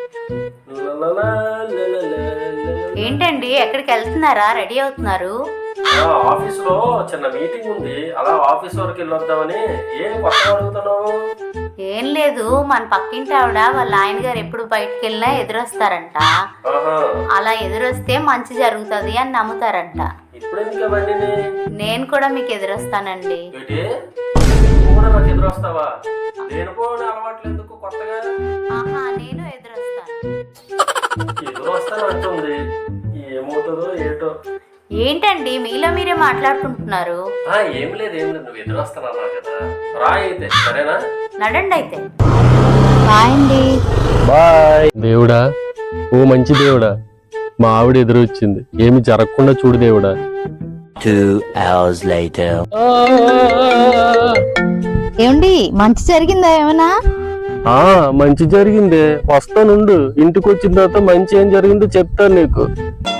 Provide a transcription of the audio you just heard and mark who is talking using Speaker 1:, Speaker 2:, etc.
Speaker 1: ఏంటండి ఎక్కడికి వెళ్తున్నారా? రెడీ అవుతున్నారు?
Speaker 2: ఆఫీస్ లో చిన్న మీటింగ్ ఉంది, అలా ఆఫీస్ వరకు వెళ్ళొద్దామని. ఏం కొత్తగా అడుగుతున్నావు?
Speaker 1: ఏం లేదు, మన పక్కింటి ఆవిడ వాళ్ళ ఆయన గారు ఎప్పుడు బయటకు వెళ్ళినా ఎదురొస్తారంట. అలా ఎదురొస్తే మంచి జరుగుతుంది అని నమ్ముతారంట.
Speaker 2: ఇప్పుడు ఎందుకు అవన్నీ?
Speaker 1: నేను కూడా మీకు ఎదురొస్తానండి.
Speaker 2: నాకు ఎదురొస్తావా? నేను కూడా అలవాట్లు ఎందుకు కొత్తగా?
Speaker 1: ఆహా, నేను ఎదురొస్తాను.
Speaker 2: ఎదురొస్తాను అంటుంది, ఏమవుతుందో ఏటో.
Speaker 1: ఏంటండి మీలో మీరే మాట్లాడుకుంటున్నారు?
Speaker 2: ఏం లేదు నువ్వు ఎదురొస్తానన్నా కదా, రా అయితే. సరేనా?
Speaker 1: నడండి అయితే. బాయ్ అండి.
Speaker 2: బాయ్. దేవుడా, ఓ మంచి దేవుడా, మా ఆవిడ ఎదురు వచ్చింది, ఏమి జరగకుండా చూడు దేవుడా.
Speaker 3: 2 hours later.
Speaker 4: ఏమండి మంచి జరిగిందా ఏమన్నా?
Speaker 2: మంచి జరిగిందే, వస్తానుండు. ఇంటికి వచ్చిన తర్వాత మంచి ఏం జరిగిందో చెప్తాను నీకు.